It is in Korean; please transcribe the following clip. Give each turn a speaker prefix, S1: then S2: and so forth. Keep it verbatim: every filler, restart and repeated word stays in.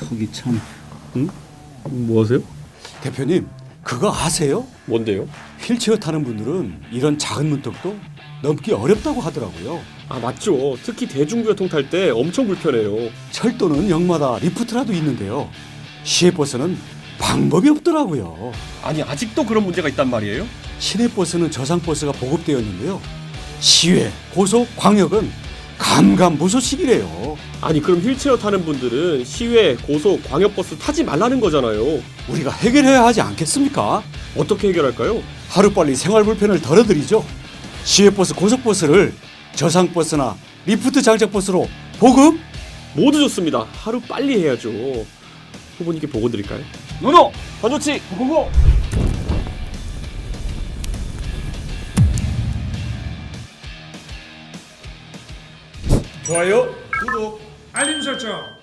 S1: 거기 참. 응? 뭐 하세요?
S2: 대표님, 그거 아세요?
S3: 뭔데요?
S2: 휠체어 타는 분들은 이런 작은 문턱도 넘기 어렵다고 하더라고요.
S3: 아 맞죠. 특히 대중교통 탈 때 엄청 불편해요.
S2: 철도는 역마다 리프트라도 있는데요. 시외버스는 방법이 없더라고요.
S3: 아니 아직도 그런 문제가 있단 말이에요?
S2: 시내버스는 저상버스가 보급되었는데요. 시외, 고속, 광역은 감감무소식이래요.
S3: 아니 그럼 휠체어 타는 분들은 시외, 고속, 광역버스 타지 말라는 거잖아요.
S2: 우리가 해결해야 하지 않겠습니까?
S3: 어떻게 해결할까요?
S2: 하루빨리 생활 불편을 덜어드리죠. 시외버스, 고속버스를 저상버스나 리프트 장착버스로 보급?
S3: 모두 좋습니다. 하루 빨리 해야죠. 후보님께 보고 드릴까요?
S4: 노노! 건조치 고고고!
S5: 좋아요, 구독, 알림 설정